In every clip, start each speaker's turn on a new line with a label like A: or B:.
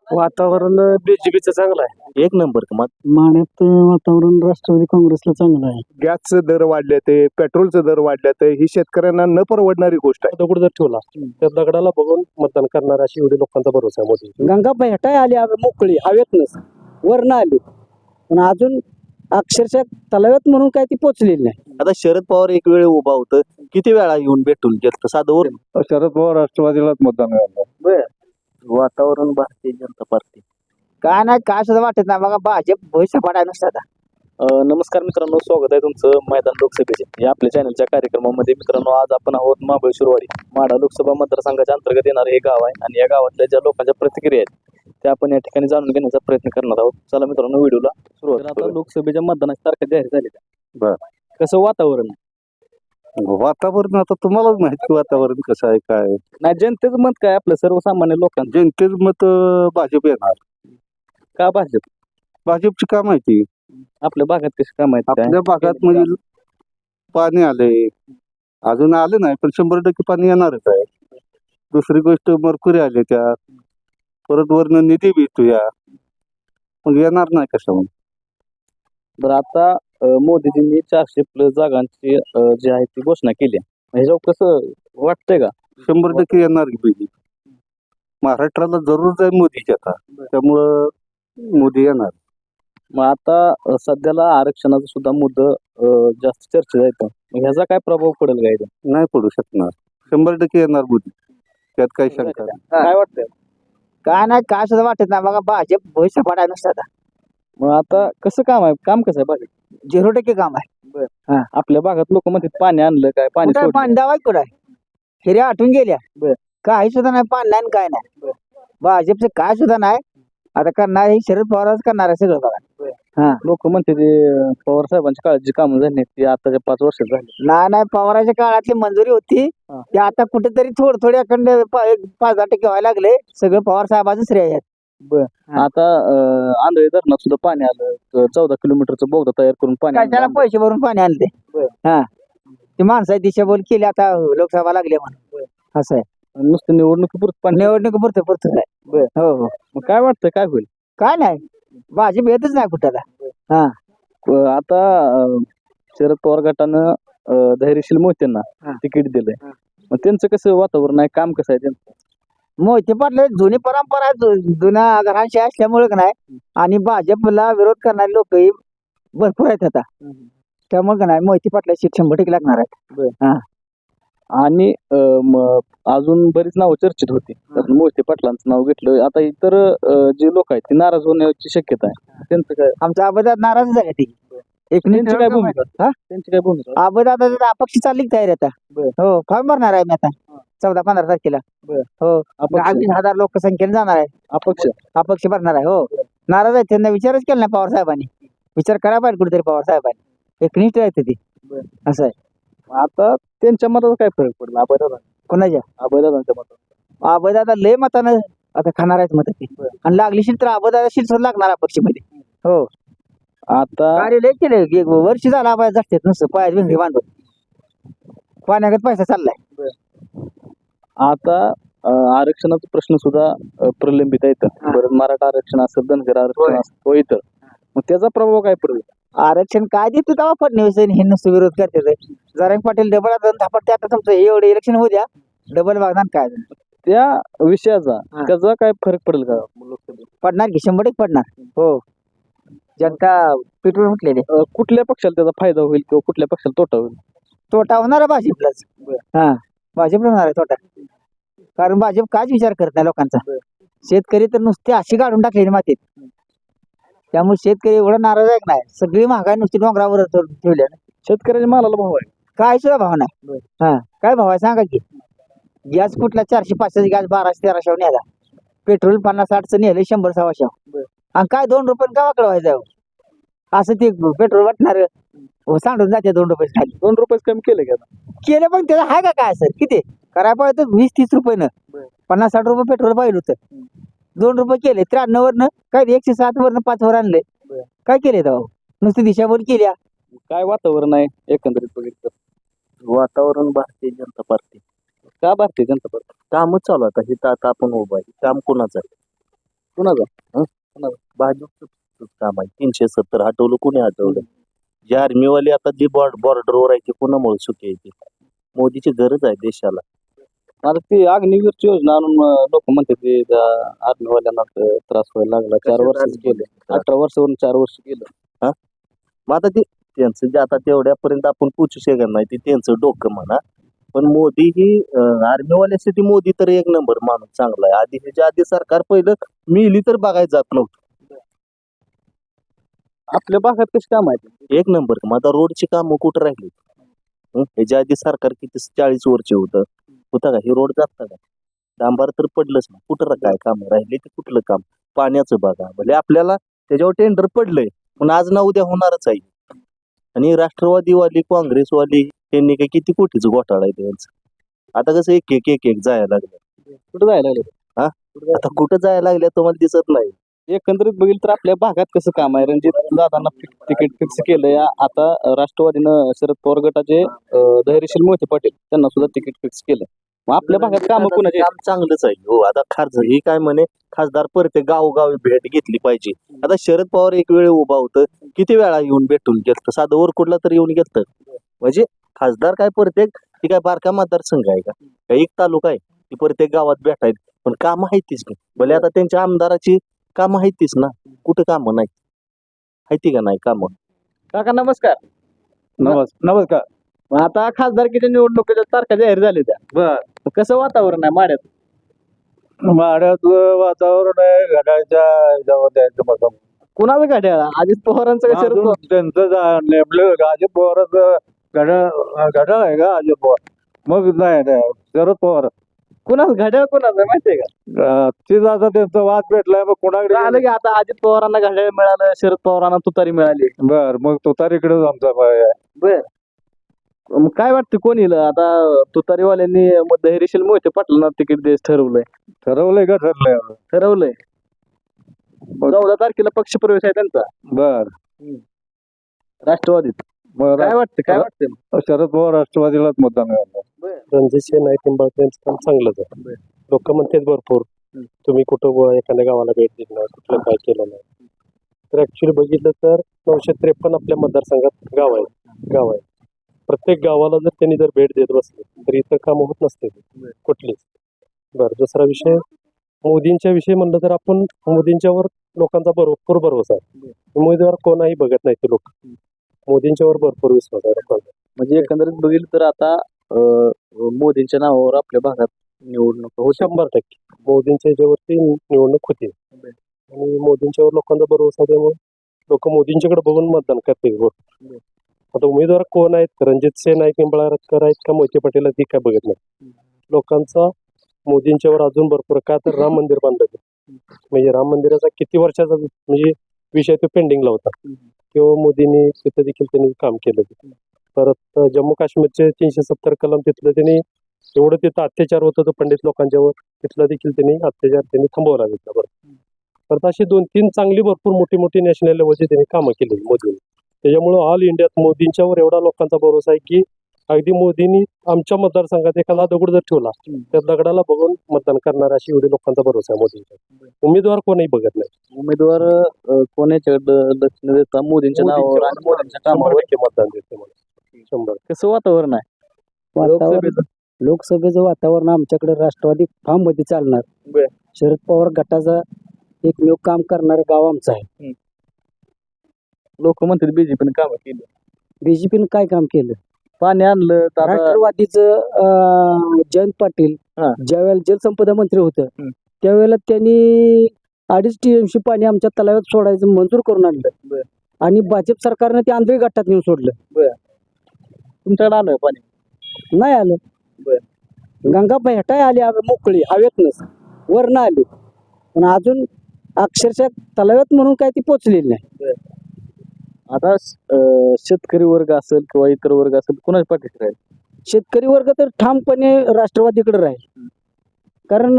A: वातावरण बीजेपीचं चांगलं आहे.
B: एक नंबर मग
C: माण्यात वातावरण राष्ट्रवादी काँग्रेसला चांगलं आहे.
D: गॅसचे दर वाढले ते पेट्रोलचे दर वाढले ते ही शेतकऱ्यांना न परवडणारी गोष्ट आहे.
A: दगड जर ठेवला त्या दगडाला बघून मतदान करणार अशी एवढी लोकांचा भरोसा आहे मोदी.
C: गंगा भेटाय आली मोकळी हवेतनच वरनं आली पण अजून अक्षरशः तलाव्यात म्हणून काय ती पोचलेली नाही.
B: आता शरद पवार एक वेळ उभा होतं, किती वेळा येऊन भेटून गेलं साधं वर
D: शरद पवार राष्ट्रवादीलाच मतदान मिळालं.
B: वातावरण भारतीय जनता पार्टी.
C: काय नाही काय सुद्धा वाटत नाही बघा भाजप भविष्य पडाय नसतात.
B: नमस्कार मित्रांनो, स्वागत आहे तुमचं मैदान लोकसभेचे या आपल्या चॅनलच्या कार्यक्रमामध्ये. मित्रांनो, आज आपण आहोत महाबळेश्वरवाडी माढा लोकसभा मतदारसंघाच्या अंतर्गत येणारे हे गाव आहे आणि या गावातल्या ज्या लोकांच्या प्रतिक्रिया आहेत त्या आपण या ठिकाणी जाणून घेण्याचा प्रयत्न करणार आहोत. चला मित्रांनो, व्हिडिओला सुरुवात. आता लोकसभेच्या मतदानाची तारखा जाहीर झाली.
D: बरं.
B: कसं वातावरण आहे?
D: वातावरण आता तुम्हालाच माहिती वातावरण कसं आहे काय.
B: नाही, जनतेचं मत काय आपलं सर्वसामान्य लोकांचं?
D: जनतेचं मत भाजप येणार.
B: का भाजप?
D: भाजपची का माहिती
B: आपल्या भागात कशी काय माहिती आहे?
D: आपल्या भागात म्हणजे पाणी आले अजून आले नाही पण 100% पाणी येणारच आहे. दुसरी गोष्ट मरकुरी आले त्यात परत वरनं निधी भेटूया मग येणार नाही कसं.
B: बरं, आता मोदीजींनी 400+ जागांची जी आहे ती घोषणा केली. ह्याच्यावर कसं वाटतंय का?
D: 100% येणार की बीजेपी महाराष्ट्राला जरूर जाईल मोदीची आता त्यामुळं मोदी येणार.
B: मग आता सध्याला आरक्षणाचा सुद्धा मुद्दा जास्त चर्चेत आहे. मग ह्याचा काय प्रभाव पडेल का इथं?
D: नाही पडू शकणार. 100% येणार मोदी, त्यात काही शंका नाही.
B: काय वाटतंय?
C: काय नाही काय सुद्धा वाटत नाही बघा भाजप भविष्य पडाय नसतात.
B: मग आता कसं काम आहे? काम कसं आहे भाजप?
C: 0% काम आहे.
B: आपल्या भागात लोक म्हणतात पाणी आणलं काय, पाणी
C: कुठं
B: सोडलं.
C: पाणी दावाय कुठं हिऱ्या आटून गेल्या
B: बर.
C: काही सुद्धा नाही पाणी नाही काय नाही. भाजपचं काय सुद्धा नाही. आता करणार हे शरद पवारच करणार आहे सगळं बघा.
B: लोक म्हणते ते पवार साहेबांची काळजी कामं झाली ती आताच्या 5 वर्षात झाली.
C: नाही पवाराच्या काळातली मंजुरी होती ते आता कुठेतरी थोडे अखंड 5-10% व्हायला लागले. सगळं पवार साहेबांचं श्रेय आहे.
B: आता आंधळी धरणात सुद्धा पाणी आलं. 14 किलोमीटरचं बोगदा तयार करून पाणी
C: काय त्याला
B: आणलं.
C: पैसे भरून पाणी आणले. हा ती माणसाची दिशाभूल केली आता लोकसभा लागली म्हणून असं आहे.
B: नुसतं निवडणुकीपुरतं पाणी.
C: निवडणूक पुरतं आहे. हो हो
B: मग काय वाटतं काय होईल?
C: काय नाही भाजप येतच नाही कुठला.
B: आता शरद पवार गटानं धैर्यशील मोहितेंना तिकीट दिलंय. मग त्यांचं कसं वातावरण आहे? काम कसं आहे त्यांचं?
C: मोहिते पाटील जुनी परंपरा जुन्या घरांशी असल्यामुळे का नाही आणि भाजपला विरोध करणारे लोक भरपूर आहेत आता त्यामुळे का नाही मोहिते पाटला सीट 100% लागणार आहेत.
B: आणि अजून बरीच नावं चर्चेत होती. त्यात मोहिते पाटलांचं नाव घेतलं. आता इतर जे लोक आहेत ते नाराज होण्याची शक्यता आहे. त्यांचं काय?
C: आमचा अबदाद नाराज झाले ती.
B: त्यांची काय भूमिका? त्यांची काय भूमिका?
C: अबदाद अपक्ष चालली तयारी आता. हो फॉर्म भरणार आहे मी आता 14-15 तारखेला. हो 20,000 लोकसंख्येने जाणार आहे. अपक्ष भरणार आहे. हो नाराज आहे. त्यांना विचारच केला नाही पवार साहेबांनी. विचार करा पाहिजे कुठेतरी पवार साहेबांनी. एकनिष्ठ आहे ती असं आहे.
B: आता त्यांच्या मताचा काय फरक पडला? अभयदादा
C: कोणाच्या
B: अभयदादांच्या मतात
C: अबदादा लय मतानं आता खाणार आहेत मत आणि लागली शीट तर अबदादा शीट लागणार अपक्षमध्ये. हो
B: आता
C: कार्य लय केले वर्ष झाला अबदाद जास्त नसतं पायात भिंगरी बांधून पाण्यागत पैसा चाललाय.
B: आता आरक्षणाचा प्रश्न सुद्धा प्रलंबित आहे. बरं, मराठा आरक्षण असेल, धनगर आरक्षण असेल इतर, मग त्याचा प्रभाव काय पडेल?
C: आरक्षण काय देते तेव्हा फडणवीस हे नुसतं विरोध करते. जरांग पाटील डबल धापडते. आता तुमचं एवढे इलेक्शन होऊ द्या डबल वागणार काय
B: त्या विषयाचा त्याचा काय फरक पडेल का?
C: पडणार की 100% पडणार. हो जनता पिटून उठलेली.
B: कुठल्या पक्षाला त्याचा फायदा होईल किंवा कुठल्या पक्षाला तोटा होईल?
C: तोटा होणार आहे भाजपलाच. भाजपला होणार आहे तोटा. कारण भाजप काच विचार करत नाही लोकांचा. शेतकरी तर नुसते अशी काढून टाकलेली मातीत. त्यामुळे शेतकरी एवढा नाराज आहे नाही. सगळी महागाई नुसती डोंगरावर ठेवल्या.
B: शेतकऱ्याच्या मालाला भाव आहे
C: काय सुद्धा भाव नाही. काय भाव आहे सांगा की? गॅस कुठला 400-500 गॅस 1200-1300 न्यायला. पेट्रोल 50-60चं नेलं 100-100. आणि काय 2 रुपये गावाकडे व्हायचं असं ते पेट्रोल वाटणार सांडून जाते 2 रुपये खाली.
B: 2 रुपये कमी केले
C: पण त्याला आहे का काय सर किती करायला पाहिजे 20-30 रुपये 50-60 रुपये पेट्रोल पाहिजे होतं. 2 रुपये केले 93 वरनं काय 107 वरनं 5 वर आणले. काय केले तेव्हा नुसती दिशाभूल केल्या.
B: काय वातावरण आहे एकंदरीत बघितलं? वातावरण भारतीय जनता पार्टी. का भारतीय जनता पार्टी? कामच चालू आता. हे आता आपण उभं आहे. काम कोणाचं आहे? कुणाचा
E: भाजपचं काम आहे 370 हटवलं कोणी हटवलं जे आर्मीवाले आता जे बॉर्डरवर आहे ते कोणामुळे सुखी आहे ते मोदीची गरज आहे देशाला
B: आता ती अग्निवीरची योजना आणून लोक म्हणते ते आर्मीवाल्यांना त्रास व्हायला लागला 4 वर्ष गेले 18 वर्षावरून 4 वर्ष गेलं
E: मग आता ते त्यांचं जे आता तेवढ्यापर्यंत आपण पोचू शकत नाही ते त्यांचं डोकं म्हणा पण मोदी ही आर्मीवाल्यासाठी मोदी तर एक नंबर माणूस चांगला आहे आधी ह्याच्या आधी सरकार पहिलं मिली तर बघायला जात नव्हतं
B: आपल्या भागात कशी काम आहे
E: एक नंबर मग आता रोडची कामं कुठं राहिली ह्याच्या आधी सरकार किती 40 वर्ष होतं का हे रोड जात का डांबार तर पडलंच ना कुठं काय काम राहिले ते कुठलं काम पाण्याचं बघा म्हणजे आपल्याला त्याच्यावर टेंडर पडलंय पण आज ना उद्या होणारच आहे आणि राष्ट्रवादीवाली काँग्रेसवाली त्यांनी काय किती कोटीचं घोटाळा आहे त्यांचं आता कसं एक एक एक एक जायला लागलं
B: कुठं जायला लागले
E: आता कुठं जायला लागल्या तुम्हाला दिसत नाही
B: एकंदरीत बघितलं तर आपल्या भागात कसं काम आहे रणजित दादांना तिकीट फिक्स केलंय आता राष्ट्रवादीनं शरद पवार गटाचे धैर्यशील मोहिते पाटील त्यांना सुद्धा तिकीट फिक्स केलं मग आपल्या भागात काम कोणाचे
E: काम चांगलंच आहे हो आता खासदार ही काय म्हणे खासदार प्रत्येक गावोगावी भेट घेतली पाहिजे आता शरद पवार एक वेळ उभा होतं किती वेळा येऊन भेटून घेतलं साधं वरकुडला तर येऊन घेतलं म्हणजे खासदार काय प्रत्येक ही काय बारका मतदारसंघ आहे का एक तालुका आहे ती प्रत्येक गावात भेटायत पण काम माहितीच नाही भले आता त्यांच्या आमदाराची काम माहितीच ना कुठं कामं नाही माहिती का नाही कामं
B: काका नमस्कार
A: नमस्कार
B: मग आता खासदारकीच्या निवडणुकीच्या तारखा जाहीर झाल्या त्या
A: बर
B: कसं वातावरण आहे माड्यात
A: माड्यातलं वातावरण आहे घड्याळच्या ह्याच्यावर द्यायचं मग
B: कुणाचं घड्याळ अजित पवारांचं का शरद पवार
A: त्यांचं नेमलं अजित पवारच घड्याळ आहे का अजित पवार मग नाही शरद पवार
B: कुणाचं घड्याळ कुणाचं माहितीये का
A: तीच आता त्यांचा वाद भेटलाय मग कोणाकडे
B: आलं की आता अजित पवारांना घड्याळ मिळालं शरद पवारांना तुतारी मिळाली
A: बर मग तुतारीकडेच आमचा पाय आहे.
B: बर मग काय वाटतं कोण येईल आता तुतारीवाल्यांनी धैर्यशील मोहिते पाटलांना तिकीट द्यायचं ठरवलंय
A: ठरवलंय का
B: ठरवलंय 14 तारखेला पक्ष प्रवेश आहे त्यांचा
A: बर
B: राष्ट्रवादीत
A: मग
B: काय वाटतं
A: शरद पवार राष्ट्रवादीलाच मतदान मिळालं रणजित नाईक निंबाळकर यांचं काम चांगलंच आहे लोक म्हणतात भरपूर तुम्ही कुठं एखाद्या गावाला भेट दिली नाही कुठलं काय केलं नाही तर ऍक्च्युली बघितलं तर 953 आपल्या मतदारसंघात गाव आहे प्रत्येक गावाला जर त्यांनी जर भेट देत बसले तर इतर कामं होत नसते कुठलीच बरं दुसरा विषय मोदींच्या विषयी म्हणलं तर आपण मोदींच्यावर लोकांचा भरपूर भरोसा आहे उमेदवार कोणाही बघत नाही ते लोक मोदींच्यावर भरपूर विश्वास आहे लोकांचा
B: म्हणजे एकंदरीत बघितलं तर आता मोदींच्या नावावर आपल्या भागात निवडणूक हो
A: 100% मोदींच्या ह्याच्यावरती निवडणूक होती आणि मोदींच्यावर लोकांचा भरोसा त्यामुळे लोक मोदींच्याकडे बघून मतदान करतील आता उमेदवार कोण आहेत रणजित सिंह नाईक निंबाळकर आहेत का मोहिते पाटील ती काय बघत नाही लोकांचा मोदींच्यावर अजून भरपूर का तर राम मंदिर बांधलं म्हणजे राम मंदिराचा किती वर्षाचा म्हणजे विषय तो पेंडिंगला होता किंवा मोदींनी तिथं देखील त्यांनी काम केलं परत जम्मू काश्मीरचे 370 कलम तिथलं त्यांनी एवढं तिथं अत्याचार होत होतं पंडित लोकांच्यावर तिथला देखील त्यांनी अत्याचार त्यांनी थांबवला तिथला परत अशी 2-3 चांगली भरपूर मोठी नॅशनल लेवलची त्यांनी कामं केली मोदींनी त्याच्यामुळं ऑल इंडियात मोदींच्यावर एवढा लोकांचा भरोसा आहे की अगदी मोदींनी आमच्या मतदारसंघात एखादा दगड जर ठेवला त्या दगडाला बघून मतदान करणार अशी एवढी लोकांचा भरोसा आहे मोदींचा उमेदवार कोणही बघत नाही
B: उमेदवार कोणाच्याकडे लक्ष न देता मोदींच्या नावावर आणि मोदींच्या कामावर
A: मतदान देते मला 100
B: कसं वातावरण आहे
C: लोकसभेचं वातावरण आमच्याकडे राष्ट्रवादी फार्म मध्ये चालणार शरद पवार गटाचा एकमेव काम करणारं गाव आमचं आहे
B: लोक म्हणतात बीजेपीने काम केली
C: बीजेपीनं काय काम केलं
B: पाणी आणलं तर आता
C: राष्ट्रवादीचं जयंत पाटील ज्यावेळेला जलसंपदा मंत्री होतं त्यावेळेला त्यांनी 2.5 TMC पाणी आमच्या तलावात सोडायचं मंजूर करून आणलं आणि भाजप सरकारनं ते आंधळी गटात नेऊन सोडलं
B: तुमच्याकडे आलं पाणी
C: नाही आलं गंगा भेटाय आली मोकळी हवेतनच वरनं आली पण अजून अक्षरशः तलाव्यात म्हणून काय ती पोचलेली नाही
B: आता शेतकरी वर्ग असेल किंवा इतर वर्ग असेल कुणाच्या पाठीशी राहील
C: शेतकरी वर्ग तर ठामपणे राष्ट्रवादीकडे राहील कारण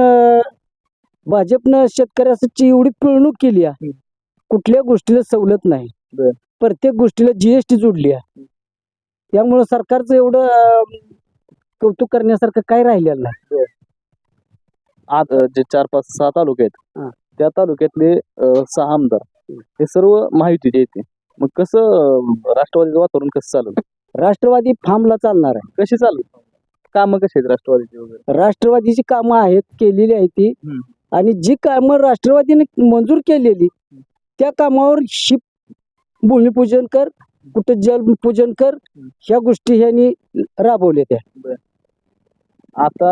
C: भाजपनं शेतकऱ्याची एवढी पिळवणूक केली आहे कुठल्या गोष्टीला सवलत नाही प्रत्येक गोष्टीला GST जोडली आहे त्यामुळं सरकारचं एवढं कौतुक करण्यासारखं काय राहिलेलं नाही
B: आज जे 4-5-6 तालुके आहेत त्या तालुक्यातले 6 आमदार हे सर्व महायुतीचे येते. मग कसं राष्ट्रवादीचं वातावरण कसं चालू
C: राष्ट्रवादी फार्मला चालणार आहे.
B: कशी चालू कामं कशी आहेत राष्ट्रवादीची वगैरे?
C: राष्ट्रवादीची कामं आहेत, केलेली आहेत ती.
B: हम्म.
C: आणि जी कामं राष्ट्रवादीने मंजूर केलेली त्या कामावर भूमिपूजन कर, कुठं जलपूजन कर, ह्या गोष्टी ह्यांनी राबवल्या त्या.
B: आता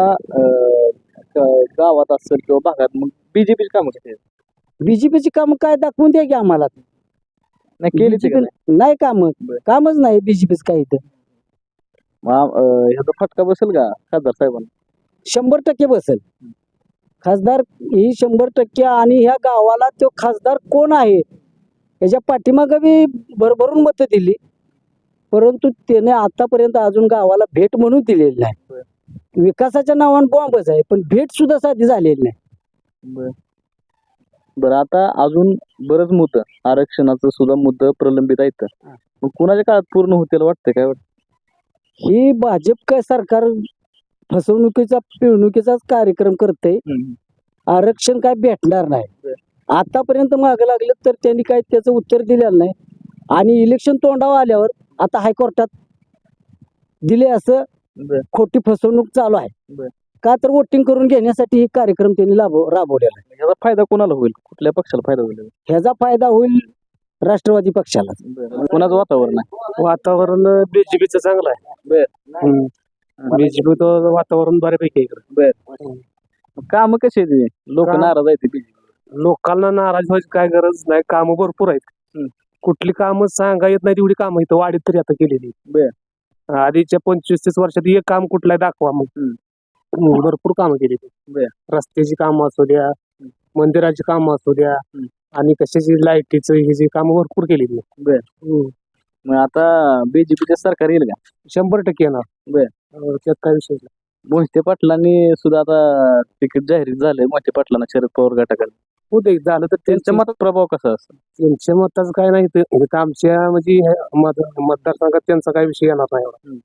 B: गावात असेल किंवा भागात मग बीजेपीची कामं कशी आहेत?
C: बीजेपीची कामं काय दाखवून द्या की आम्हाला.
B: नाही केली ते का नाही?
C: नाही कामच नाही बीजेपीच काही तर.
B: मग ह्याचा फटका बसेल का खासदार साहेबांना?
C: 100% बसेल. खासदार ही 100%. आणि ह्या गावाला तो खासदार कोण आहे त्याच्या पाठीमागं बी भरभरून मतं दिली, परंतु त्याने आतापर्यंत अजून गावाला भेट म्हणून दिलेली नाही. विकासाच्या नावानं बॉम्बच आहे, पण भेट सुद्धा साधी झालेली नाही.
B: बरं आता अजून बरंच मुद्दा आरक्षणाचं सुद्धा मुद्दा प्रलंबित आहेत. मग कुणाच्या काळात पूर्ण होतील वाटतं काय वाटतं?
C: ही भाजप काय सरकार फसवणुकीचा पिळवणुकीचाच कार्यक्रम करते. आरक्षण काय भेटणार नाही. आतापर्यंत मागं लागलं तर त्यांनी काय त्याचं उत्तर दिलेलं नाही. आणि इलेक्शन तोंडावर आल्यावर आता हायकोर्टात दिले असं खोटी फसवणूक चालू आहे. का तर वोटिंग करून घेण्यासाठी हे कार्यक्रम त्यांनी राबवलेला आहे.
B: ह्याचा फायदा कोणाला होईल? कुठल्या पक्षाला फायदा होईल?
C: ह्याचा फायदा होईल राष्ट्रवादी पक्षाला.
B: कोणाचं वातावरण आहे?
A: वातावरण बीजेपीचं चांगलं आहे. बीजेपीचं वातावरण बऱ्यापैकी आहे इकडं.
B: काम कशी आहेत? लोक
A: काम-
B: नाराज आहेत BJP.
A: लोकांना नाराज व्हायची काय गरज नाही. कामं भरपूर आहेत. कुठली कामं सांगा येत नाही तेवढी कामं इथं वाढीत तरी आता केलेली. आधीच्या 25-30 वर्षात एक काम कुठलाही दाखवा मग. भरपूर कामं केली. रस्त्याची कामं असू द्या, मंदिराची कामं असू द्या, आणि कशाची लाईटीचं ही जी कामं भरपूर केलेली.
B: मग आता बीजेपीचे सरकार येईल का?
A: 100% येणार. त्यात काय विषय नाही.
B: मोहिते पाटलांनी सुद्धा आता तिकीट जाहीर झालंय मोहिते पाटलांना शरद पवार गटाकडे.
A: हो ते झालं तर
B: त्यांच्या मतात प्रभाव कसा असतो?
A: त्यांच्या मताचं काय नाही. इथं आमच्या म्हणजे मतदारसंघात त्यांचा काय विषय येणार नाही एवढा.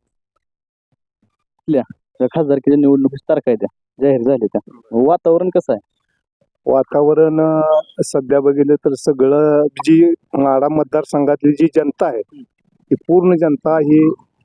B: त्या खासदारकीच्या निवडणुकीची तारखा आहे त्या जाहीर झाल्या त्या. वातावरण कसं आहे?
D: वातावरण सध्या बघितलं तर सगळं जी माढा मतदारसंघातली जी जनता आहे ती पूर्ण जनता ही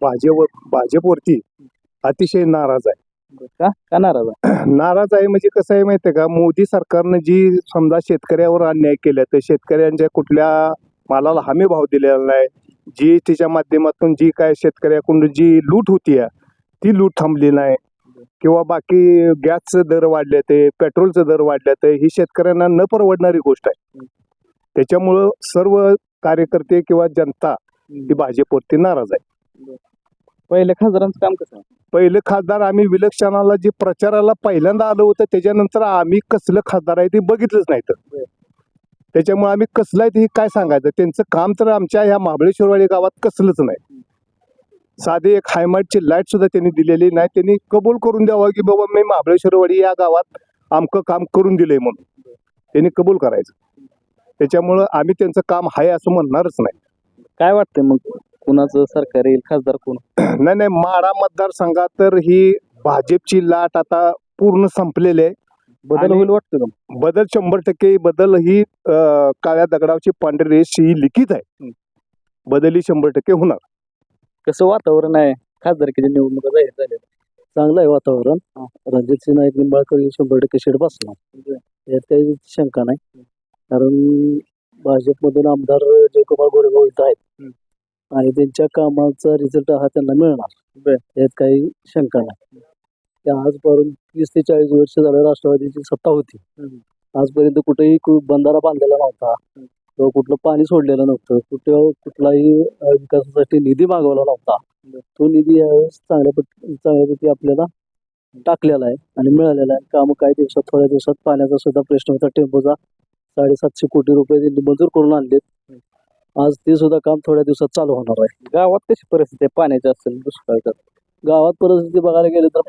D: भाजपवरती अतिशय नाराज आहे.
B: का नाराज आहे?
D: नाराज आहे म्हणजे कसं आहे माहितीये का, मोदी सरकारनं जी समजा शेतकऱ्यावर अन्याय केला तर शेतकऱ्यांच्या कुठल्या मालाला हमी भाव दिलेला नाही, जी तिच्या माध्यमातून जी काय शेतकऱ्याकडून जी लूट होती ती लूट थांबली नाही, किंवा बाकी गॅसचं दर वाढले ते पेट्रोलचं दर वाढले ते ही शेतकऱ्यांना न परवडणारी गोष्ट आहे. त्याच्यामुळं सर्व कार्यकर्ते किंवा जनता ही भाजपवरती नाराज आहे.
B: पहिल्या खासदारांचं काम कसं आहे?
D: पहिले खासदार आम्ही विलक्षणाला जे प्रचाराला पहिल्यांदा आलो होतं त्याच्यानंतर आम्ही कसलं खासदार आहे ते बघितलंच नाही. तर त्याच्यामुळे आम्ही कसलं आहे ते काय सांगायचं. त्यांचं काम तर आमच्या ह्या महाबळेश्वरवाडी गावात कसलंच नाही. साधे एक हायमार्टची लाईट सुद्धा त्यांनी दिलेली नाही. त्यांनी कबूल करून द्यावं की बाबा मी महाबळेश्वरवाडी या गावात आमकं काम करून दिलंय म्हणून त्यांनी कबूल करायचं. त्याच्यामुळं आम्ही त्यांचं काम आहे असं म्हणणारच नाही.
B: काय वाटतंय मग कुणाचं सरकार येईल? खासदार कोण?
D: नाही माढा मतदारसंघात तर ही भाजपची लाट आता पूर्ण संपलेली आहे.
B: बदल
D: आणि
B: होईल वाटतं का?
D: बदल 100% बदल ही काळ्या दगडावची पांढरी रेष ही लिखित आहे. बदल ही 100% होणार.
B: कसं वातावरण आहे? खासदारकीच्या निवडणुका जाहीर झाल्या.
C: चांगलं आहे वातावरण. रणजितसिंह नाईक निंबाळकर 100% शेड बसणार, यात काही शंका नाही. कारण भाजपमधून आमदार जयकुमार गोरेगाव इथं आहेत आणि त्यांच्या कामाचा रिझल्ट हा त्यांना मिळणार, यात काही शंका नाही. त्या आजपर्यंत 30 ते 40 वर्ष झालं राष्ट्रवादीची सत्ता होती. आजपर्यंत कुठेही बंधारा बांधलेला नव्हता किंवा कुठलं पाणी सोडलेलं नव्हतं, कुठलाही विकासासाठी निधी मागवला नव्हता. तो निधी यावेळेस चांगल्यापैकी आपल्याला टाकलेला आहे आणि मिळालेला आहे. कामं काही दिवसात, थोड्या दिवसात पाण्याचा सुद्धा प्रश्न होता. टेम्पोचा 750 कोटी रुपये त्यांनी मंजूर करून आणलेत. आज ते सुद्धा काम थोड्या दिवसात चालू होणार आहे.
B: गावात कशी परिस्थिती आहे पाण्याची असेल दुष्काळात?
C: गावात परिस्थिती बघायला गेलं तर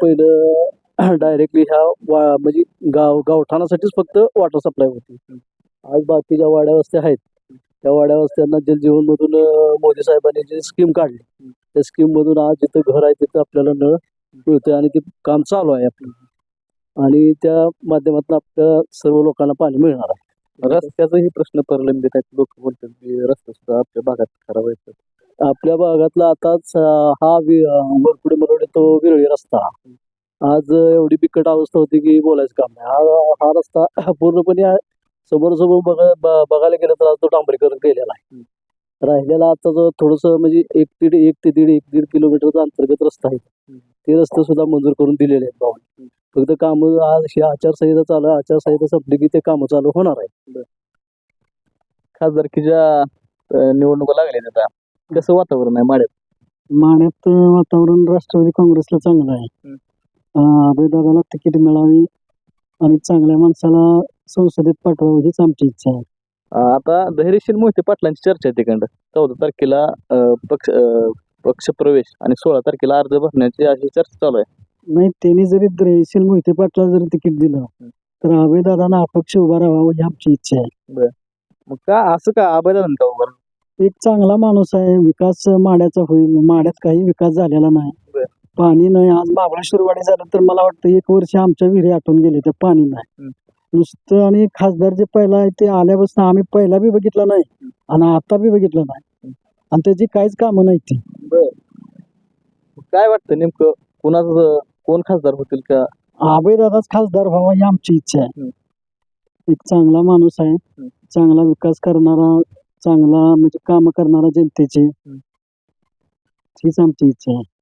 C: पहिलं डायरेक्टली ह्या म्हणजे गावठाणासाठीच फक्त वॉटर सप्लाय होती. आज बाकीच्या वाड्या वस्त्या आहेत, त्या वाड्या वस्त्यांना जलजीवन मधून मोदी साहेबांनी जी स्कीम काढली त्या स्कीम मधून आज जिथं घर आहे तिथं आपल्याला नळ मिळतोय आणि ते काम चालू आहे आपलं आणि त्या माध्यमातून आपल्या सर्व लोकांना पाणी मिळणार आहे.
B: रस्त्याचाही प्रश्न प्रलंबित आहेत. लोक बोलतात की रस्ता सुद्धा आपल्या भागात खराब आहेत. आपल्या भागातला आताच हा वरपुडे मरोडे तो विरळी रस्ता आज एवढी बिकट अवस्था होती की बोलायचं काम नाही. हा रस्ता पूर्णपणे समोर बघायला गेलं तर आज तो डांबरीकरण केलेला आहे. राहिलेला आता जो थोडस म्हणजे 1 किलोमीटरचा अंतर्गत रस्ता आहे. ते रस्ते सुद्धा मंजूर करून दिलेले आहेत भावाने. फक्त काम आज ही आचारसंहिता चालू आहे. आचारसंहिता संपली की ते कामं चालू होणार आहे. खासदारकीच्या निवडणुका लागल्या आता कसं वातावरण आहे माड्यात?
F: माण्यात वातावरण राष्ट्रवादी काँग्रेसला चांगलं आहे. अभयदादाला तिकीट मिळावी आणि चांगल्या माणसाला संसदेत पाठवावं हीच आमची इच्छा आहे.
B: आता धैर्यशील मोहिते पाटलांची चर्चा आहे तिकडं 14 तारखेला पक्ष प्रवेश आणि 16 तारखेला अर्ज भरण्याची अशी चर्चा चालू आहे.
F: नाही, त्यांनी जरी धैर्यशील मोहिते पाटला जरी तिकीट दिलं तर अभयदादांना अपक्ष उभा राहावं ही आमची इच्छा आहे.
B: मग का असं का अभयदादांनी का उभं?
F: एक चांगला माणूस आहे. विकास माड्याचा होईल. माड्यात काही विकास झालेला नाही. पाणी नाही. आज महाबळेश्वरवाडी झालं तर मला वाटतं 1 वर्ष आमच्या विहिरी आटून गेले तर पाणी नाही. नुसतं आणि खासदार जे पहिला आहे ते आल्यापासून आम्ही पहिला बी बघितलं नाही आणि आता बी बघितलं नाही आणि त्याची काहीच कामं नाही ती.
B: काय वाटतं नेमकं कोण खासदार होतील का?
F: अभयदादाच खासदार व्हावा ही आमची इच्छा आहे. एक चांगला माणूस आहे. चांगला विकास करणारा, चांगला म्हणजे काम करणारा जनतेचे, हीच आमची इच्छा आहे.